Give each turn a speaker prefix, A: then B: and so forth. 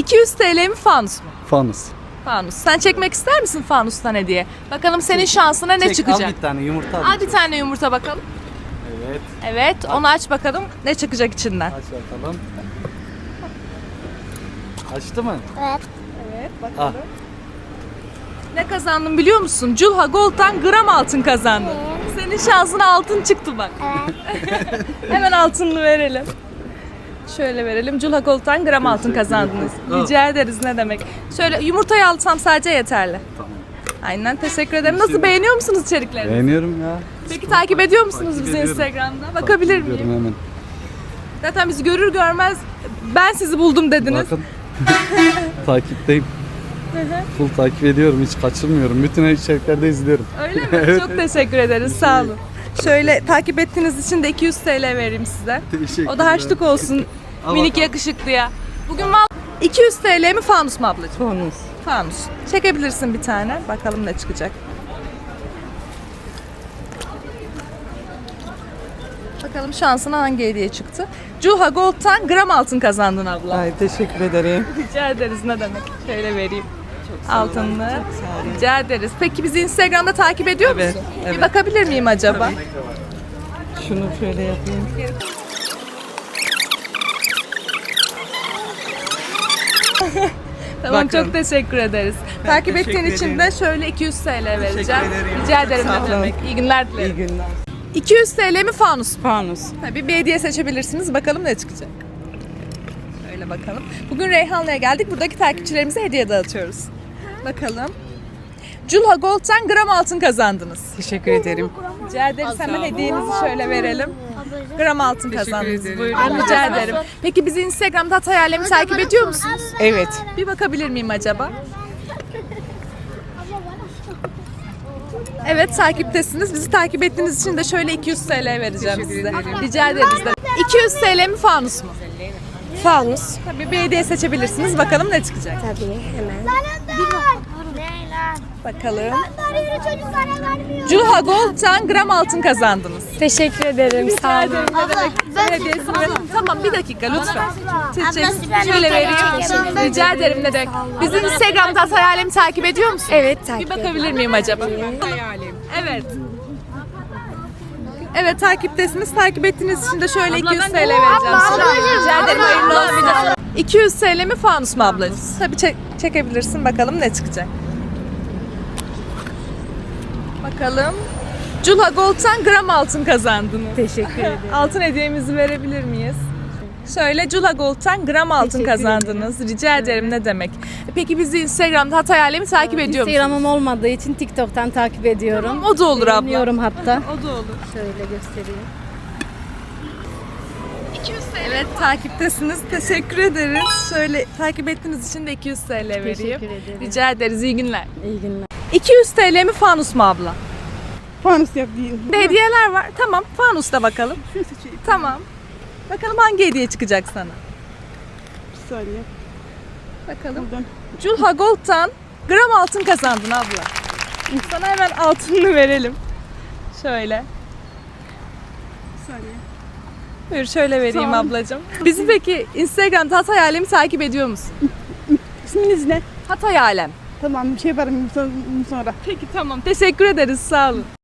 A: 200 TL mi fanus mu?
B: Fanus.
A: Fanus. Sen çekmek ister misin fanustan hediye? Bakalım senin şansına ne çıkacak?
B: Al bir tane yumurta.
A: Al bir tane yumurta bakalım.
B: Evet.
A: Evet, onu aç bakalım. Ne çıkacak içinden?
B: Aç bakalım. Açtı mı?
C: Evet.
A: Evet,
B: Ah.
A: bakalım. Ne kazandın biliyor musun? Culha Gold'dan gram altın kazandın. Senin şansına altın çıktı bak. Hemen altınını verelim. Şöyle verelim. Culha Gold'dan gram altın kazandınız. Rica ederiz, ne demek. Şöyle yumurtayı alsam sadece yeterli.
B: Tamam.
A: Aynen, teşekkür ederim. Nasıl, beğeniyor musunuz içerikleri?
B: Beğeniyorum ya.
A: Peki takip ediyor musunuz
B: Takip
A: bizi
B: ediyorum.
A: Instagram'da? Bakabilir
B: Takip ediyorum
A: miyim?
B: hemen.
A: Zaten bizi görür görmez ben sizi buldum dediniz.
B: Bakın. Takipteyim. Full takip ediyorum, hiç kaçırmıyorum. Bütün içeriklerde izliyorum.
A: Öyle mi?
B: Evet,
A: Çok teşekkür ederiz. Sağ olun. Şöyle takip ettiğiniz için de 200 TL vereyim size.
B: Teşekkürler.
A: O da harçlık olsun.
B: Al
A: Minik
B: bakalım.
A: yakışıklıya. Bugün 200 TL mi fanus mu ablacığım?
D: Fanus.
A: Fanus. Çekebilirsin bir tane. Bakalım ne çıkacak. Bakalım şansına hangi hediye çıktı. Culha Gold'tan gram altın kazandın abla.
D: Ay teşekkür ederim.
A: Rica ederiz, ne demek. Şöyle vereyim. Altınlı. Rica ederiz. Peki bizi Instagram'da takip ediyor
D: Evet,
A: musun?
D: evet.
A: Bir bakabilir miyim acaba?
D: Şunu şöyle yapayım.
A: Tamam,
D: Bakın.
A: çok teşekkür ederiz. Takip
D: teşekkür
A: ettiğin için
D: ederim.
A: de şöyle 200 TL vereceğim.
D: ederim.
A: Rica ederim,
D: Sağ
A: ne
D: olun.
A: demek. İyi günler
D: İyi
A: dilerim.
D: günler.
A: 200 TL mi fanus mu?
D: Fanus.
A: Tabii bir hediye seçebilirsiniz. Bakalım ne çıkacak. Şöyle bakalım. Bugün Reyhanlı'ya geldik. Buradaki takipçilerimize hediye dağıtıyoruz. Bakalım. Culha Gold'dan gram altın kazandınız.
D: Teşekkür ederim.
A: Rica ederiz. Hemen hediyenizi şöyle verelim. Gram altın kazandınız.
D: ederim.
A: Buyurun, rica ederim. Peki bizi Instagram'da Hatay Alem'i takip ediyor musunuz?
D: Evet.
A: Bir bakabilir miyim acaba? Evet, takiptesiniz. Bizi takip ettiğiniz için de şöyle 200 TL vereceğim size. Rica ederiz de. 200 TL mi fanus mu?
C: Fanus.
A: Tabii bir hediye seçebilirsiniz. Bakalım ne çıkacak.
C: Tabii hemen.
A: Bakalım.
C: Yürü çocuklara vermiyor.
A: Culha Gold'dan gram altın kazandınız.
C: Teşekkür ederim. Sağ olun.
A: Hediyesini verin. Tamam, bir dakika lütfen. Seçeceğiz.
C: ben
A: Şöyle
C: bir
A: vereyim.
C: kere
A: Rica ederim, ne demek. Bizi Instagram'da Hatay Alem'i takip ediyor musun?
C: Evet,
A: Bir
C: takip
A: bakabilir miyim acaba? Evet. Evet, takiptesiniz. Takip ettiğiniz için de şöyle 200 TL vereceğim size. Rica ederim, hayırlı olsun. 200 TL mi fanus mu ablacığım? Tabii çekebilirsin. Bakalım ne çıkacak. Bakalım. Culha Gold'dan gram altın kazandınız.
C: Teşekkür ederim.
A: Altın hediyemizi verebilir miyiz? Şöyle Culha Gold'dan gram altın kazandınız. Rica ederim, ne demek. Peki bizi Instagram'da Hatay Alem'i takip ediyor musunuz?
E: Instagram'ım olmadığı için TikTok'tan takip ediyorum.
A: O da olur abla.
E: Beğeniyorum hatta.
A: O da olur.
E: Şöyle göstereyim.
A: Evet, takiptesiniz. Teşekkür ederiz. Şöyle takip ettiğiniz için de 200 TL vereyim.
E: Teşekkür ederim.
A: Rica ederiz. İyi günler.
E: İyi günler.
A: 200 TL mi fanus mu abla?
D: Fanus yapayım.
A: Bir hediyeler var. Tamam, fanusta bakalım. Tamam. Bakalım hangi hediye çıkacak sana?
D: Bir saniye.
A: Bakalım.
D: Buradan.
A: Culha Gold'dan gram altın kazandın abla. Sana hemen altınını verelim. Şöyle.
D: Bir saniye.
A: Buyur, şöyle vereyim
D: Sağ ol.
A: ablacığım. Bizi peki Instagram'da Hatay Alem'i takip ediyor musun?
D: İsminiz ne?
A: Hatay Alem.
D: Tamam bir şey yaparım sonra.
A: Peki, tamam. Teşekkür ederiz. Sağ olun.